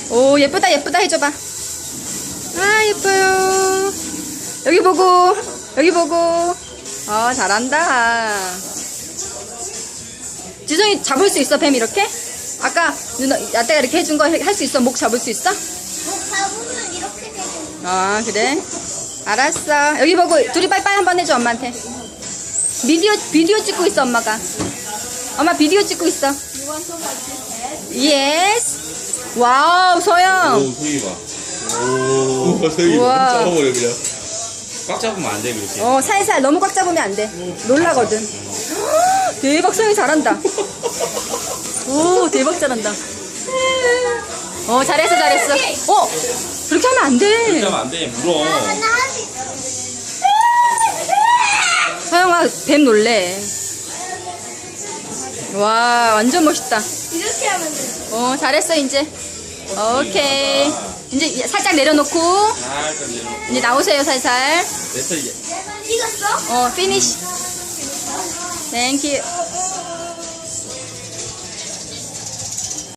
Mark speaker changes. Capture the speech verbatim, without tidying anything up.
Speaker 1: 오, 예쁘다, 예쁘다 해줘봐. 아, 예뻐요. 여기 보고, 여기 보고. 어, 잘한다. 지성이 잡을 수 있어, 뱀 이렇게? 아까 누나, 아따가 이렇게 해준 거 할 수 있어? 목 잡을 수 있어?
Speaker 2: 목 잡으면 이렇게 되는 거.
Speaker 1: 아, 그래? 알았어. 여기 보고, 둘이 빠이빠이 한번 해줘, 엄마한테. 비디오, 비디오 찍고 있어, 엄마가. 엄마 비디오 찍고 있어. 예스. 와우, 소영.
Speaker 3: 오, 소희 봐. 오, 소희
Speaker 1: 우와.
Speaker 3: 너무 잡아버려, 그냥. 꽉 잡으면 안 돼, 그렇게.
Speaker 1: 어, 살살 너무 꽉 잡으면 안 돼. 놀라거든. 헉, 대박, 소영이 잘한다. 오, 대박 잘한다. 어, 잘했어, 잘했어. 어, 그렇게 하면 안
Speaker 3: 그렇게
Speaker 1: 돼.
Speaker 3: 하면 안 돼, 물어.
Speaker 2: 하나 하지.
Speaker 1: 소영아, 뱀 놀래. 와, 완전 멋있다.
Speaker 2: 이렇게 하면 돼.
Speaker 1: 어, 잘했어, 이제. 오케이. 이제 살짝 내려놓고,
Speaker 3: 살짝 내려놓고.
Speaker 1: 이제 나오세요, 살살.
Speaker 3: 됐어, 이제.
Speaker 2: 찍었어?
Speaker 1: 어, 피니시. 땡큐.